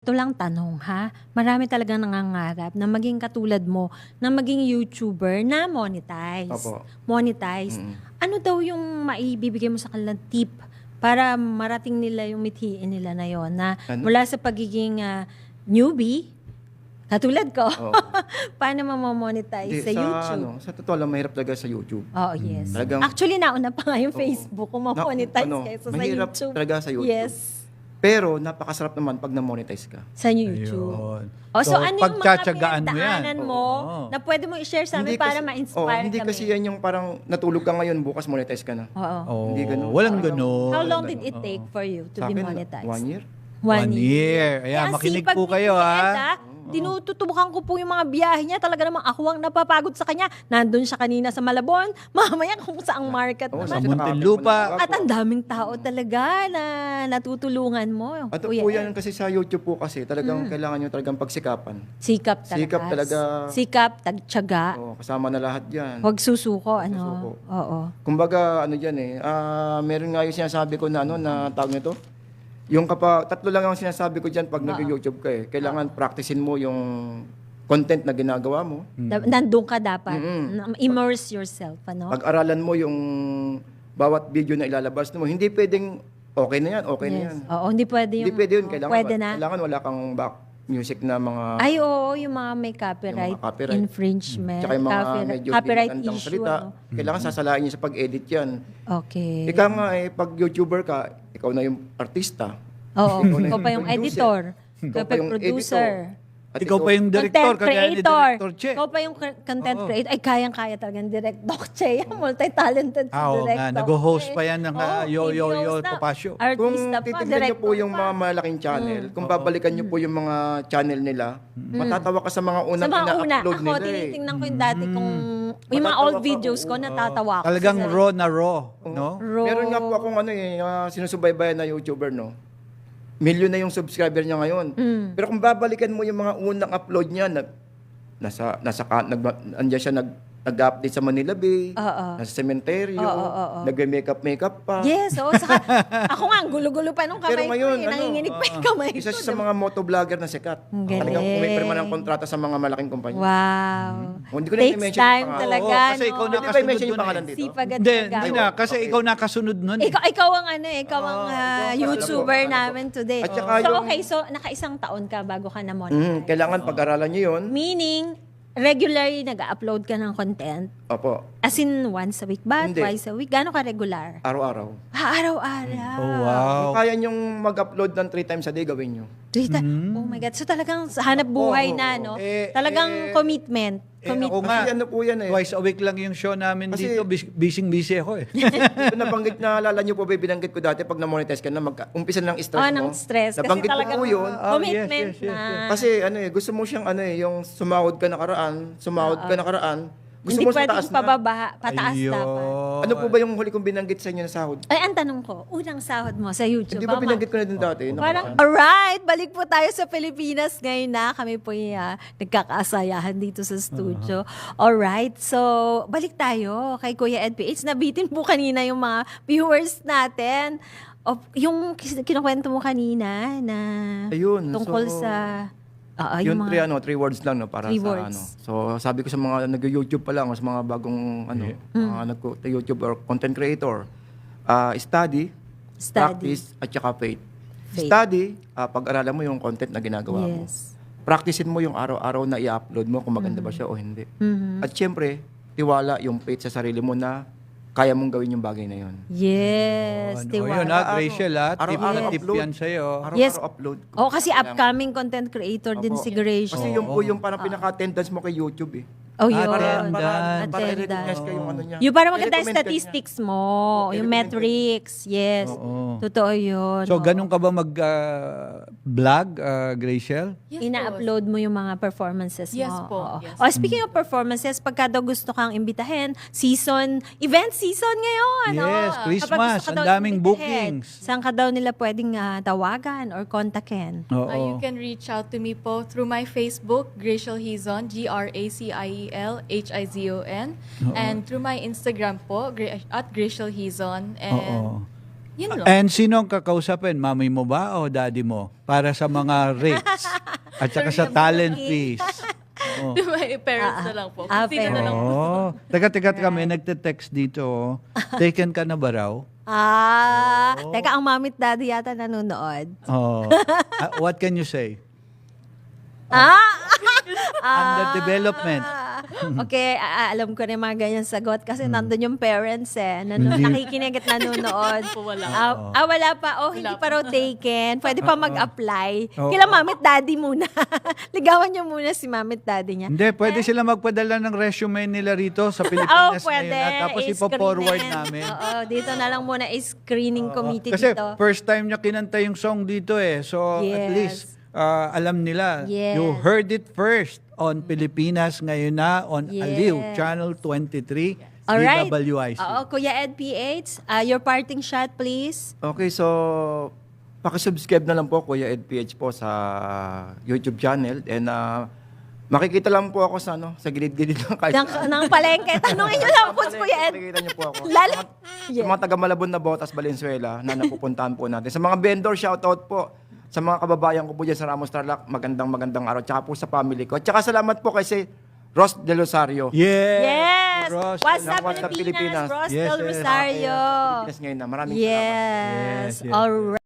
ito lang tanong ha, marami talagang nangangarap na maging katulad mo, na maging YouTuber na monetize. Opo. Monetize. Ano daw yung maibibigay mo sa kanilang tip para marating nila yung mithiin nila na yon na Ano? mula sa pagiging newbie, katulad ko, Oo. paano mamamonetize sa YouTube? Sa totoo lang, mahirap talaga sa YouTube. Oo, yes. Talagang- Actually, nauna pa nga yung Facebook kung mamonetize kaysa sa mahirap YouTube. talaga sa YouTube. Yes. Pero napakasarap naman pag na-monetize ka. Sa YouTube. Ayun. O, so ano yung mga pagtsatsagaan mo yan? pinagdaanan mo Oo. na pwede mo i-share sa amin para ma-inspire hindi kami? kasi yan yung parang natulog ka ngayon, bukas monetize ka na. Oo. Oo. Hindi ganun. Walang ganun. How long did it take for you to Sa be akin, monetized? 1 year. 1 year. Kaya Ayan, makinig sipag po ni kayo, Kuya Ed, ha? Tinututubukan ko po yung mga biyahe niya. Talaga namang ako ang napapagod sa kanya. Nandun siya kanina sa Malabon. Mamaya kung saang market Oo, naman. Sa Muntinlupa. At ang daming tao talaga na natutulungan mo. At Kuya po Ed. yan kasi sa YouTube po kasi talagang kailangan nyo talagang pagsikapan. Sikap talaga. Sikap talaga. Sikap, tagtyaga. Kasama na lahat yan. Huwag susuko, ano? Susuko. Oo. Kumbaga, meron nga yung sinasabi ko na na tawag nito. Yung tatlo lang ang sinasabi ko dyan pag nag-YouTube ka eh. Kailangan practicein mo yung content na ginagawa mo. Nandun ka dapat. Immerse yourself, ano? Pag-aralan mo yung bawat video na ilalabas mo. Hindi pwedeng okay na yan, okay na yan. Oo, hindi pwede yung... Hindi pwede yun. Kailangan, pwede na. kailangan wala kang back music na mga... Ay, oo, yung mga may copyright, Yung mga copyright. infringement, Tsaka yung mga medyo copyright pinagandang issue. salita. Ano? Kailangan sasalain niyo sa pag-edit yan. Okay. Ikaw nga pag YouTuber ka, ikaw na yung artista. Oo, Ikaw na ikaw pa yung producer. editor. Ikaw Ikaw pa yung producer. At Ikaw pa yung director, Content kagaya ni creator. Director Che. Ikaw pa yung content creator. Ay, kayang-kaya talaga ng Direct Doc Che. Multi-talented si Oo Direct nga, Doc nag-host Che. pa yan ng Oo, Yo TV Yo Yo host na. Papasyo. Kung Artista pa, titignan niyo director po yung pa. mga malaking channel, kung babalikan niyo po yung mga channel nila, matatawa ka sa mga Sa unang mga una, ina-upload ako nila eh. tinitingnan ko yung dati kung yung mga Matatawa old ka, videos ko, oo. natatawa ako. Talagang Sa- raw na raw, no? Raw. Meron nga po akong sinusubaybayan na YouTuber, no? Milyon na yung subscriber niya ngayon. Pero kung babalikan mo yung mga unang upload niya, andiyan siya nag-update sa Manila Bay, Oo. nasa sementeryo, Oo. nagme-makeup pa. Yes, oo. Saka, ako nga, ang gulo-gulo pa nung kamay Pero ngayon, ko. Nanginginig pa yung kamay ko. isa siya sa mga motovlogger na sikat. Ang galing. Talagang kumipirma ng kontrata sa mga malaking kumpanya. Wow. Hindi ko na Takes i-mention time yung pangalan. talaga, Oo, kasi no? ikaw Hindi ba nakasunod i-mention yung dun pangalan eh. dito? Sipag at Hindi, tiyaga. hindi na. Kasi Okay. ikaw nakasunod nun. Ikaw ang ikaw ang YouTuber ano po. namin today. At saka So yung- okay, so naka-isang taon ka bago ka na-monetize. Kailangan pag-aralan niyo yun. Meaning, regularly nag-upload ka ng content? Opo, As in, once a week ba? Hindi. Twice a week? Gano'n ka regular? araw-araw. Araw-araw. Oh, wow. Kung kaya niyong mag-upload ng 3 times a day, gawin niyo. Oh my God. So talagang sa hanap buhay Oo, na, oo. no? Eh, Talagang commitment. Ako nga, Kasi ano po yan eh. twice a week lang yung show namin Kasi- dito. Busy ako eh. Ito nabanggit na alala niyo po ba, binanggit ko dati pag na-monetize ka na, umpisa ng stress mo. ng stress. Kasi Nabanggit ko talagang po yun. commitment yes, yes, na. Kasi gusto mo siyang yung sumahod ka nakaraan, gusto Hindi mo sa pwedeng taas na. pababa, pataas Ayun. dapat. Ano po ba yung huli kong binanggit sa inyo na sahod? Ay, ang tanong ko, unang sahod mo sa YouTube. Hindi ba binanggit ko na din dati? Parang, alright, balik po tayo sa Pilipinas ngayon na. Kami po yung nagkakaasayahan dito sa studio. Alright, so balik tayo kay Kuya Ed PH. Nabitin po kanina yung mga viewers natin. Yung kinukwento mo kanina na Ayun, tungkol so, sa... yung 3 words lang no, para Three sa words. So sabi ko sa mga nag-YouTube pa lang, sa mga bagong mga nag-YouTube or content creator, study, practice at saka faith. Faith. Study, pag-aralan mo yung content na ginagawa mo. Yes. Practicein mo yung araw-araw na i-upload mo kung maganda ba siya o hindi. At syempre, tiwala yung faith sa sarili mo na kaya mong gawin yung bagay na yun. Yes, Yun tiwala. Graciel, tip Araw-araw na tip upload. yan sa'yo. Araw-araw Yes. upload. Oh, kasi upcoming content creator din Opo. si Grace. Kasi yung po yung parang pinaka-attendance mo kay YouTube eh. Oh, yun. Attendance. Para i-recognize ka yung ano niya. Yung para maganda yung I-recommend ka niya. statistics mo, yung metrics. Yes. Oo. Totoo yun. So, ganun ka ba mag-vlog, Graciel? Yes, Ina-upload mo yung mga performances mo. Yes po, Oo. yes. Oh, speaking of performances, pagka daw gusto kang imbitahin, event season ngayon. Yes, oh. Christmas, Kapag gusto ka ang daw daming imbitahin, bookings. Saan ka daw nila pwedeng tawagan or kontakin? Oo. You can reach out to me po through my Facebook, Graciel Hizon, GRACIEL HIZON, and through my Instagram po, at Graciel Hizon. And Oo. Yun lang. And sino ang kakausapin? Mami mo ba o daddy mo? Para sa mga rates at saka sa talent fees. Oh. My parents na lang po. Ah, Kung sino na lang po. Oh. Teka, may nagte-text dito. Oh. Taken ka na ba raw? Teka, ang mamit daddy yata nanonood. Oh. What can you say? Ah! Under development. Okay, alam ko na yung mga ganyan sagot kasi nandun yung parents Hindi. nakikinig at nanonood. Po, wala. Wala pa. Hindi Wala pa raw taken. Pwede pa mag-apply. Oo. Kila mamit daddy muna. Ligawan niyo muna si mamit daddy niya. Hindi, pwede sila magpadala ng resume nila rito sa Pilipinas pwede. ngayon. Tapos ipo-forward namin. Oo, dito na lang muna screening committee Kasi dito. first time niya kinanta yung song dito eh. So at Yes. least alam nila. Yes. You heard it first on Pilipinas ngayon na on Yes. Aliw, Channel 23, Alright. DWIC. Oo, Kuya Ed PH, your parting shot please. Okay, so pakisubscribe na lang po Kuya Ed PH po sa YouTube channel and makikita lang po ako sa sa gilid-gilid ng kahit Ng palengke. Tanungin niyo lang po si Kuya Ed. Makikita niyo po ako. Yeah. Sa mga taga Malabon na Botas, Valenzuela na napupuntahan po natin. Sa mga vendor, shoutout po. Sa mga kababayan ko po dyan sa Ramos Tarlac, magandang araw. Tsaka po sa family ko. Tsaka salamat po kay si Ross De Rosario. Yes! Ross. What's up, What's up, Pilipinas? Pilipinas? Ross Yes, Del yes. Rosario. Pilipinas ngayon na. Maraming salamat. Yes. Yes, yes. All